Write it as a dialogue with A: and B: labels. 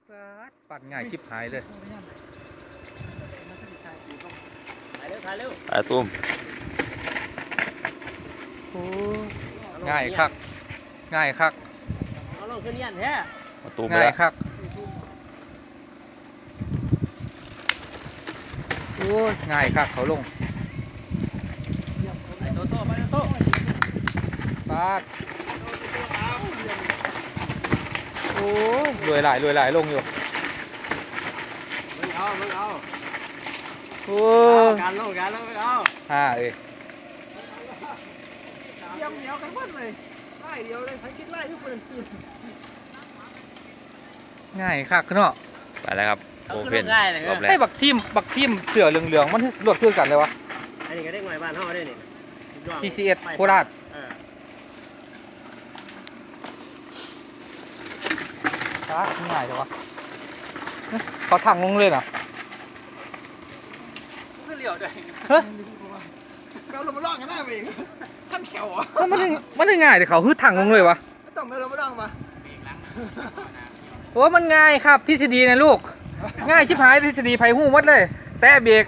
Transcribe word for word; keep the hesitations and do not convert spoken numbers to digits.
A: ปัดง่ายชิบหายเลย
B: ถ่ายเร็วถ่ายเร็ว
C: ไอ้ตุ้ม
A: โอ้ง่ายคักง่ายคัก
B: เอาลงขึ้นยันแท้
C: มาตุ้มไป
A: ง่าย
C: แล้ว
A: คักโอ้ยง่ายคักเขาลง
B: ไปโตโต้ไปโตโต้
A: ปาดโอ้ยรวยหลายรวยหลายลงอยู่
B: มึงเอามึงเอา
A: โอ้
B: เอา
A: ย
B: การลงการลงมึงเอา
A: ฮ่าเอ้ย
D: เยี่ยมเหนียวกันหมดเลยไล่เดียวเลยใครคิดไล่ทุกคนกิน
A: ง่ายคักเนาะ
C: ไปแล้วครับ
B: เอา
C: โอ
B: ขึ้น
C: เพ่น
B: ง่ายเลย
C: รอบแร
A: ให้
C: ก
A: บักทีมบักทีมเสือเหลืองๆมันรวดเพื่อกันเลยวะ
B: อันนี้ก็ได้หน่วยบ้านเฮาได้นี่
A: ที ซี เอส โคราช
B: เออ
A: ปาดง่ายเลยวะเฮ้ยเขาถังลงเลยนะ
B: ขึ้นเหลียวด้วย
A: เฮ้ย
D: เราลงมาล่องกันหน้าเองท่านแขวอ่ะ
A: มันได้มันได้ง่ายแต่เขาฮึดถังลงเลยวะ
D: ต้องเรามาล่องมา
A: โอ้มันง่ายครับทฤษฎีนะลูก ง่ายชิบหายทฤษฎีไผ่หู้หมดเลย แต่เบรก